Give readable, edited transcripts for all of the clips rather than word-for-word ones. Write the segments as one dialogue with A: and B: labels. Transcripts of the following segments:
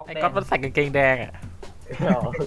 A: ไอ้ก๊อตมันใส่กางเกงแดงอ่ะ
B: โอเค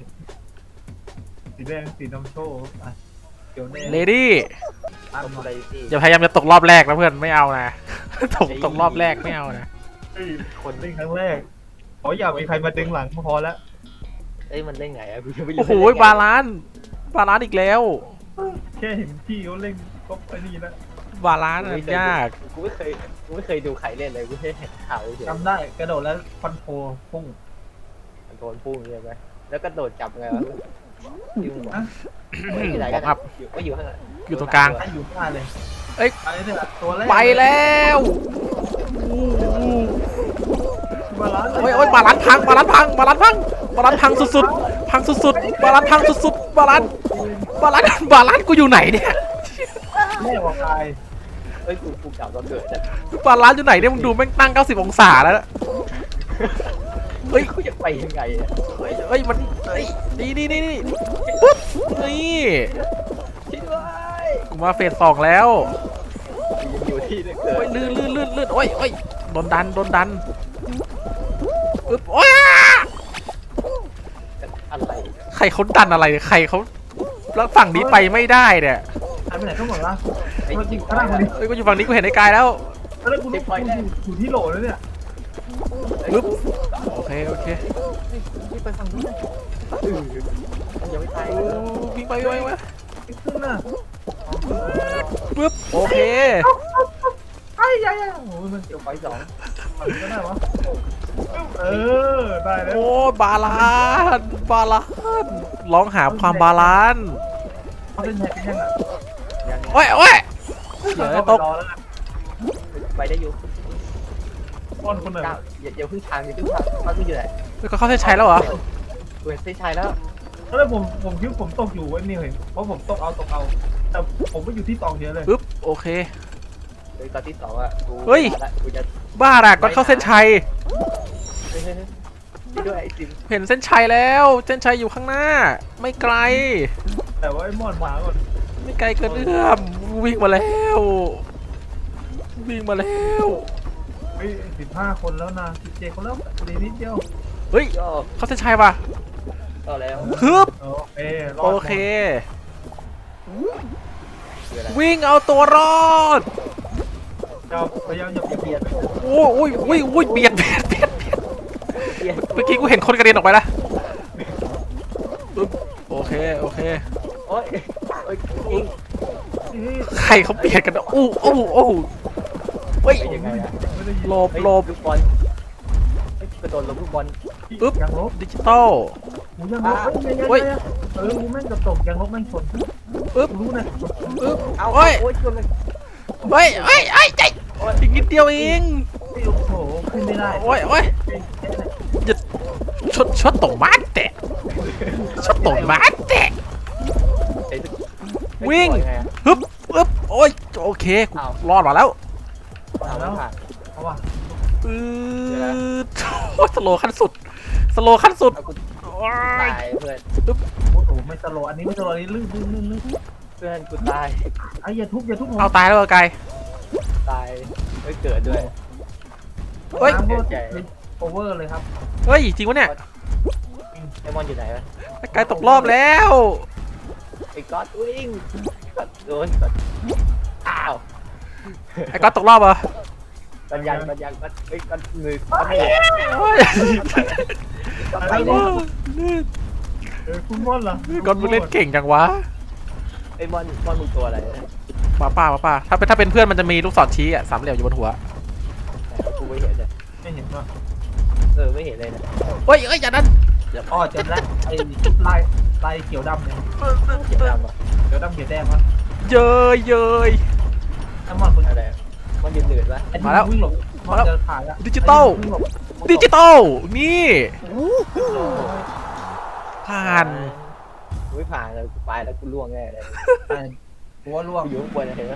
C: สีแดงสีน้ำโชว์เขียวแดง
A: เลดี้
C: ตั้ง
B: ทำ
C: มา
B: อะไรสิ
A: อย่าพยายามจะตกรอบแรกนะเพื่อนไม่เอานะ ตกรอบแรกไม่เอานะ
C: เฮ้ยคนเล่นครั้งแรกอย่ามีใครมาดึงหลังพอแล้ว
B: เอ้ยมันเล่นไงอะกูยังไม่รู้
A: โอ้โหบาลานซ์อีกแล้ว
C: แค่เห็นพี่เขาเล่นก็ไอ้นี่แล้ว
A: บาลานซ์อะยาก
B: กูไม่เคยดูใครเล่นเลยกูแค่เห็นข่าวเฉย
C: จำได้กระโดดแล้วคอนโทรพุ่ง
B: มันโดนพุ่งใช่ไหมแล้วก็โดดจับไงวะยุ่งหมด
C: อ่ะ
B: ที่ไหนกันไม่อยู่ข้างหลัง
A: อยู่ตรงกลาง
C: ให้อยู่ข้างเลย
A: เอ้ย
C: ไปเนี่ยตัวแรก
A: ไปแล้ว
C: บาลานซ์
A: โอ้ยบาลานซ์พังสุดๆพังสุดๆบาลานซ์พังสุดๆบาลานซ์กูอยู่ไหนเนี่ย
C: แม่บอกตาย
B: เอ้ยกูกลับมาเกิดนะ
A: บาลานซ์อยู่ไหนเนี่ยมึงดูแม่งตั้ง90องศาแล้วนะ
B: เฮ้ยกูจะไปยังไงอะ
A: เฮ้ยมันนี่ปุ๊บนี่
B: ช่วยด้วย
A: กูมาเฟส2แล้ว
B: ยังอยู่ที่เดิมเกิ
A: โอ้ย
B: ด
A: ลื่นโอ้ยโดนดันอึ๊บว้า
B: อะไร
A: ใครเขาดันอะไรเนี่ยใครเขาแล้วฝั่งนี้ไปไม่ได้เนี่ย
C: หายไปไหนทั้งหมดละ
B: ไอ้
C: มาจริ
B: จริ
C: ง
B: ง
C: ข้างล่างคนนี้
A: เอ้ยกูอยู่ฝั่งนี้กูเห็นไอ้กายแล้ว
C: แล้วกูอยู่ที่โหลแล้วเนี่ย
A: ปึ๊บโอเค
B: ไปฝั่งนู้นยังไม่ตาย
A: โอ้วิ่งไป
C: ไม่ขึ้นน่ะ
A: ปึ๊บโอเค
C: ไอ้ยัยโอ้ยมัน
B: เดี๋ยวไฟสอง
C: มันก็ได้วะได้แล้ว
A: โอ้บาลานซ์ร้องหาความบาลานซ์
C: เขาเป็นแฮกยังอ่ะ
B: ยัง
A: โอ้ยเดี๋ยวตก
C: รอแล้วนะ
B: ไปได้อยู่
C: ป้อนคนหนึ่ง
B: ก้าวอย่าพึ่งทางเขาอยู่ไหน
A: ก็เข้าเส้นชัยแล้วเหรอ
B: เว้นเส้นชัยแล้ว
C: แล้วผมคิดผมตกอยู่ไอ้นี่เห็นเพราะผมตกเอาแต่ผมก็อยู่ที่ตองเยอะเลย
A: ปึ๊บโอเค
B: เลยตอนที่สองอ่ะกูจะ
A: บ้าอะก็เข้าเส้นชัย
B: ด้วยไอซิม
A: เห็นเส้นชัยแล้วเส้นชัยอยู่ข้างหน้า ไม่ไกล
C: แต่ว่าไอ้มอนหมาก่อน
A: ไม่ไกลเกินเอื้อมวิ่งมาแล้ว
C: เฮ้ย15 คนแล้วนะ17 คนแล้วดีนิดเดียว
A: เฮ้ย
B: ก็
A: เข้าเส้นชัยป่ะ
B: ก็แล้ว
A: ฮึบ
C: โอเครอ
A: โอ
C: ด
A: เค
B: คืออะไร
A: วิ่งเอาตัวรอด
C: พยายามอย่า
B: เบียด
A: โอ้ยเบียด
B: เบียด
A: เมื่อกี้กูเห็นคนกระเด็นออกไปละปึ๊บโอเค
B: โอ้ยยิง
A: ใครเขาเบียดกันอู้เฮ้ย
B: ยังไงอะ
C: ไม่ได้ยิน
A: หลบ
B: ลูกบอลกระโดดลงลูกบอล
A: ปึ๊บ
C: ยังลบ
A: ดิจิตอล
C: หูยังลบกูแม่งกระตกยังลบแม่งชน
A: ปึ๊บ
C: รู้นะ
A: ปึ๊บ
B: เอา
A: โอ้ย
B: โอ้ยชนเลย
A: เฮ้ยใจอีกนิดเดียวเอง
C: โอ้โหขึ้นไม่ได้
A: โอ้ยอย่าชดตกมาแตะวิ่งฮึบโอ้ยโอเคกูรอดมาแล้ว
B: เอาแล้วผ่าน
C: เอาว่ะ
A: ปื๊ดโอ้ยสโลว์ขั้นสุด
B: เอากู
A: โอ้ย
B: ตายเพื่อน
C: โอ้โหไม่ตลอดอันนี้ไม่ตลอดอันนี้ลื่น
B: เพื่อนกูตาย
C: ไอ้อย่าทุบผม
A: เอาตายแล้วเหรอไกล
B: ตายไม่เกิดด้วย
A: เฮ้ย
C: น้ำโอเวอร์เลยครับ
A: เฮ้ยจริงวะเนี่ย
B: ไอมอนอยู่ไหนวะ
A: ไกลตกรอบแล้ว
B: ไอ้ก๊อตวิ่งก๊อตโดนก๊อตอ้าว
A: ไอ้ก๊อตตกรอบเหรอ
B: ปัญญาก๊อตไอ้ก๊อตมือก๊อตไม่เหลือ
A: โอ้ย
B: ก๊อตไปแล้ว
C: คุณม่อนเหรอ
A: ก๊อตมึงเล่นเก่งจังวะ
B: ไอ้มอนมึงตัวอะไรนะ
A: หมาป่าถ้าเป็นเพื่อนมันจะมีลูกศรชี้อ่ะสามเหลี่ยมอยู่บนหัว
B: กูไม่เห็นเลย
C: ไม่เห็นว่ะ
B: ไม่เห็นเลยนะ
A: เฮ้ยอย่านั้น
C: อ๋อเจอแล้วไอ้ลายเขียวดำเนี่ย
B: เขียวดำอ่ะ
C: เขียวดำเขียวแดงวะ
A: เย้ย
C: ไอ้มอนมึง
B: อะไรมันยืนเหนื่อยปะ
C: วิ่งหลบมอนเจอผ่านแล้ว
A: ดิจิตอลนี่ผ่าน
B: กูไม่ผ่านเลยกูไปแล้วกูล่วงแน่เลย
C: หัวล่วง
B: กูอยู่ข้างบนเห็นไหม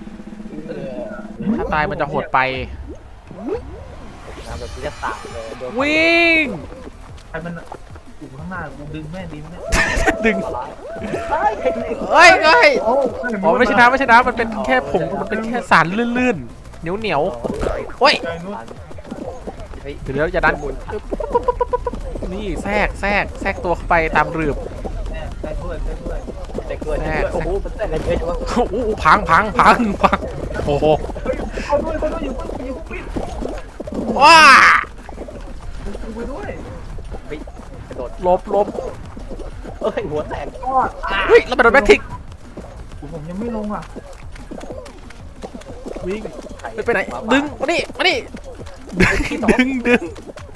A: ถ้าตายมันจะโหดไป
B: น้ำแบบกูจะตายเลยโดน
A: วิ่ง
C: ใครมันอยู่ข้างหน้ากูดึงแม่ดินเนี่ย
A: ดึง
B: ตลอด
A: เฮ้ย
C: โอ้
A: อ๋อไม่ใช่น้ำมันเป็นแค่ผงมันเป็นแค่สารลื่นๆเหนียวโอ้ย
C: ใจนู้น
B: ไป
A: เดี๋ยวอย่าดันนี่แทรกตัวเข้าไปตามรืบ
C: ใส่ด้วยใส่ด้วย
B: แต่เกินโอ้โหมันแต่ละเยอะจังวะ
A: โอ้โหพังโอ้โห
C: เขาด้วยอยู่ปิด
A: ว้า
C: ไปด้วย
B: เฮ้ยกระโดด
A: ลบ
B: เอ้ยหัวแตก
C: ก็
A: เฮ้ยเราไปโดนแมททิก
C: ผมยังไม่ลงอ่ะ
A: วิ่งไปไหนดึงมานี่ดึง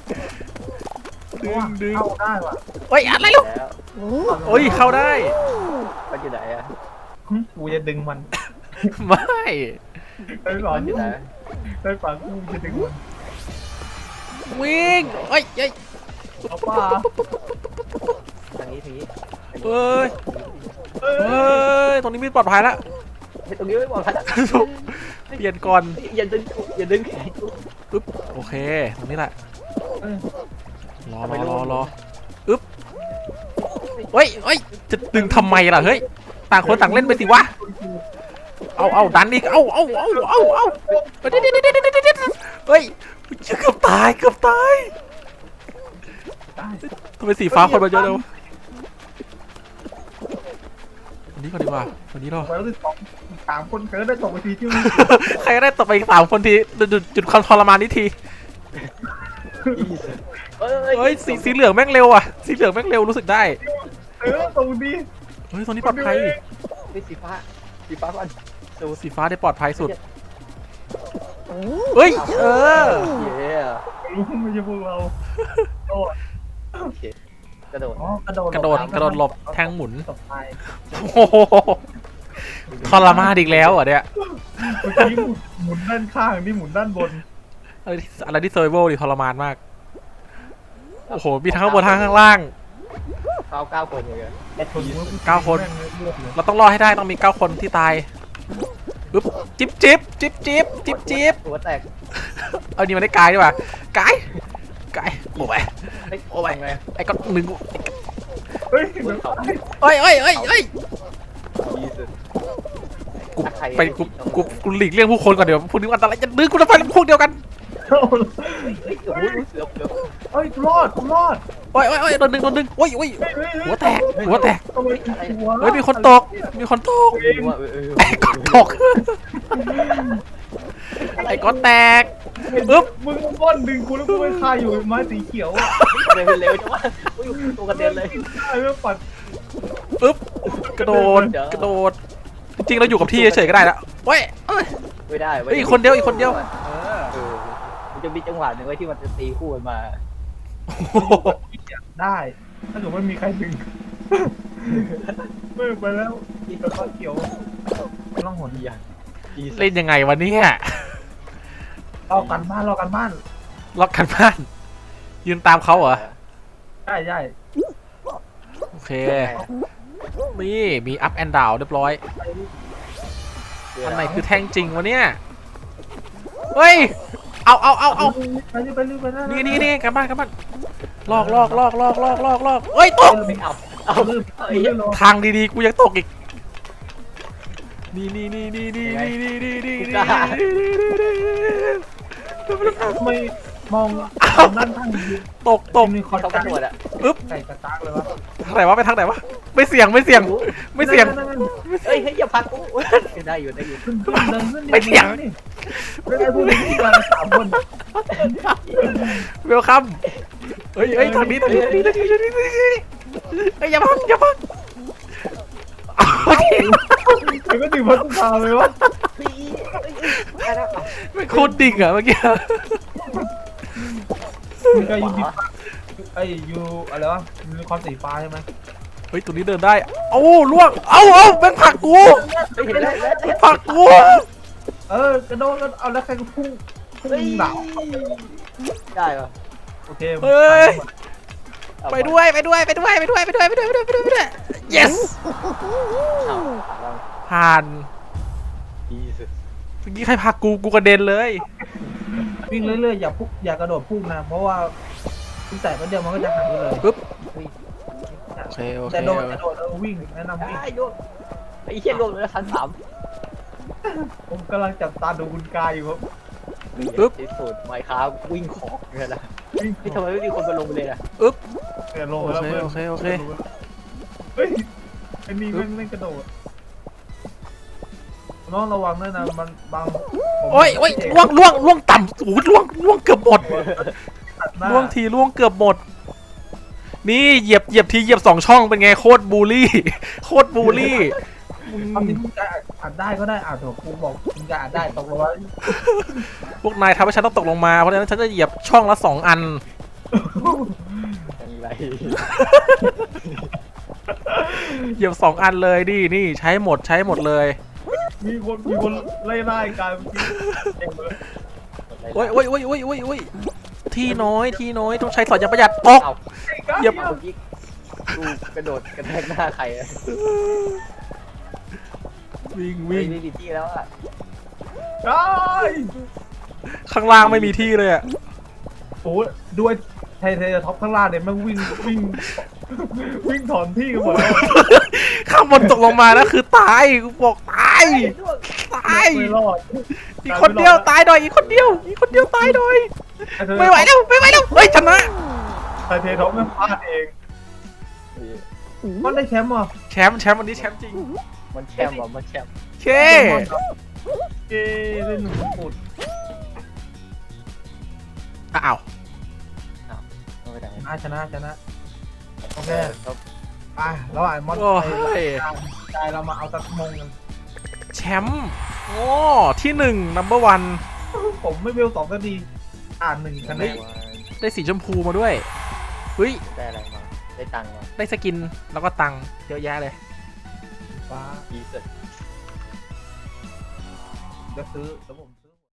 C: เข้าได้ว่ะ
A: เฮ้ยอะไรลูก
B: แล้ว
A: โอ้ยเข้าได้
B: มันอยู่ไหนอะ
C: กูจะดึงมัน
A: ไม่
C: ไอ้หลอน
B: มันอยู่ไหน
C: ไอ้ฝังกูจะดึงมัน
A: วิ่งเฮ้ย
C: เอาป่า
B: ทางนี้
A: เฮ้ยตรงนี้ไม่ปลอดภัยแล้ว
B: ตรงนี้ไม่ปลอดภัย
A: เปลี่ยนก่อน
B: อย่าดึงแขนกู
A: อึ๊บโอเคตรงนี้แหละรออึ๊บเฮ้ยจะดึงทำไมล่ะเฮ้ยต่างคนต่างเล่นไปสิวะเอาดันอีกเอาเฮ้ยเกือบตายทำไมสีฟ้าคนมาเยอะเลยวะวันนี้ก่อนดีกว่าวันนี้เรา
C: ไปแล้วสิ3 คนเคยได้ตกไปทีที่
A: ใครก็ได้ตบไปอีก3 คนทีจุดความทรมานนี้ทีเฮ้ยสีเหลืองแม่งเร็วอ่ะสีเหลืองแม่งเร็วรู้สึกได้
C: ตรงดี
A: เฮ้ยตรงนี้ปลอดภัย
B: สีฟ้าก่อน
A: สีฟ้าได้ปลอดภัยสุดเฮ้ย
B: เ
A: เออ
B: ย้
C: รู้ไม่ใช่พวกเรา
B: โอเคกระโดด
A: กระโดดหลบแทงหมุน
C: ตกไป
A: โอ้โหทรมานอีกแล้วอ่ะเนี่ย
C: เมื่อกี้หมุนด้านข้างนี่หมุนด้านบน
A: อะไรที่เซอร์ไวลดิทรมานมากโอ้โหมีทั้งข้างบนทั้งข้างล่าง
B: 9 คนเลย
A: 9 คนเราต้องรอดให้ได้ต้องมี9 คนที่ตายปึ๊บจิ๊บ
B: หัวแตก
A: เอานี่มาได้กายดีกว่ากายโอ้ย
B: โอ้ยไง
A: ไอ้ก็หนึ่ง
C: เฮ้ย
A: เอ้ย
B: ยีสุด
A: กูไปกูหลีกเลี่ยงผู้คนก่อนเดี๋ยวพวกนี้อันตรายจะดึงกูจะไปพวกเดียวกัน
B: โอ้โหเกือบ
C: เฮ้ยกูรอด
A: โอ้ยโดนดึงโอ้ยหัวแตก เฮ้ยมีคนตก ตกไอ้ก้อนแตกปึ๊บ
C: มึงก้อนดึงกูแล้วกูไปคาอยู่ไม้สีเขียวอ่ะ
B: เร็วจังวะตัวกระเด็นเลย
C: ไอ้เรื่องปัด
A: ปึ๊บกระโดดจริงๆเราอยู่กับที่เฉยๆก็ได้แล้วเว้ย
B: ไม่ได้
A: อีกคนเดียว
B: มันจะมีจังหวะหนึ่งไว้ที่มันจะตีคู่กันมา
C: ได้ถ้าเกิดไม่มีใครดึงไม่ไปแล้วอีกกระเขียวต้องหด
B: อย่าง
A: เล่นยังไงวะเนี่ย
C: รอกันบ้าน
A: ล็อกกันบ้านยืนตามเขาเหรอ
C: ใช่
A: โอเคนี่มีอัพแอนด์ดาวเรียบร้อยอันไหนคือแท่งจริงวะเนี่ยเฮ้ยเอา
C: ไปนะ
A: นี่กลับบ้านลอกเฮ้ยตก
B: ไม่เอา
A: ทางดีๆกูยังตกอีกนี่
C: ไม่มองนั่นทาง
A: ตก
C: มีคอน
B: เขากระโดดอ่ะ
A: ปึ๊บ
C: ไก่กระตากเลยวะ
A: ทางไหนวะไปทางไหนวะไม่เสี่ยง
B: เฮ้ยอย่าพักกูได้อยู่
C: ขึ้นไม่ได้พูดที่กัน3 คน
A: เวลคัมเฮ้ยทางนี้อย่าพัก
C: มันก็ถึงพัฒนาเลยวะ
A: ไม่โคตรดิ่งอ่ะเมื่อกี้
C: มีใครอยู่อยู่อะไรวะมีความสีฟ้าใช่ไหม
A: เฮ้ยตัวนี้เดินได้เอ้าล่วงเอ้าแม่งผลักกูผลักกู
C: กระโดดเอาแล้วใครก็พุ่งหนาว
B: ได้เหรอ
C: โอเค
A: เฮ้ยไปด้วย yes ผ่านเมื่อกี้ใครผลักกูกระเด็นเลย
C: วิ่งเรื่อยๆอย่ากระโดดพุ่งนะเพราะว่าแต่ก็เดียวมันก็จะหายไปเลย
A: ปึ๊บโอเค
C: แต่โดดวิ่งแนะนำวิ่ง
B: ได้โยนไอ้เหี้ยโดนเลยชั้น 3
C: ผมกำลังจับตาดูคุณกายอยู่ครับ
A: อึ๊บ
B: ที่สุดไมค์ครับวิ่งของเนี่ยนะ
C: วิ่ง
B: พี่ทำไมไม่มีคนมาลงไปเลยล่ะ
C: เกิดลงแล้วเพื่อน
A: โอเคโอเค
C: เฮ้ยไอ้นี่ไม่กระโดดน้องระวังด้วยนะมันบาง
A: โอ้ยโอ้ยล่วงต่ำโอ้ยล่วงเกือบหมดล่วงทีล่วงเกือบหมดนี่เหยียบทีเหยียบ2 ช่องเป็นไงโคตรบูลลี่โคตรบูลลี่
C: เอาที่คุณจะอ่านได้ก็ได้อ่านเถอะครูบอกคุณจะอ่านได้ตกลงว่า
A: พวกนายทำให้ฉันต้องตกลงมาเพราะฉะนั้นฉันจะเหยียบช่องละ2 อัน
B: อย่างไร
A: เหยียบ2 อันเลยนี่ใช้หมดเลย
C: มีคนไล่กันเองเลย
A: โอ้ยที่น้อยต้องใช้สอดอย่างประหยัดตก
B: เอา
A: เหยียบ
B: เมื่อกี้กูกระโดดกระแทกหน้าใครอะ
A: วิ่ง
B: ไม่มีที่แล้วอะ
C: ได้
A: ข้างล่างไม่มีที่เลยอะ
C: โอ้ด้วยไทยท็อปข้างล่างเนี่ยมันวิ่งถอนที่กันหมดแล้ว
A: ข้างบนตกลงมานะคือตายกูบอกตายตาย
C: ไม่รอด
A: อีกคนเดียวตายหน่อยอีกคนเดียวตายหน่อยไม่ไหวแล้วเฮ้ยชนะ
C: ไทยท็อปมันพลาดเองมันได้แชมป์อ่ะ
A: แชมป์วันนี้แชมป์จริง
B: มันแชมป์ว่ะมันแชมป์
A: เค
C: เย้เล่นหนุ่มปุด
A: อ้าว
B: เอาไปไหน
C: ชนะโอเค
B: ครับ
C: ไปแล้วมอนใจเรามาเอาตะมงกัน
A: แชมป์โอ้ที่1 number 1
C: ผมไม่เวล2 นาที1 คะแนน
A: ได้สีชมพูมาด้วยเฮ้ย
B: ได้อะไรมาได้ตังค์มา
A: ได้สกินแล้วก็ตังค์เยอะแยะเลย
C: ฟ้า
B: ดีสุด
C: จะซื้อแล้วผม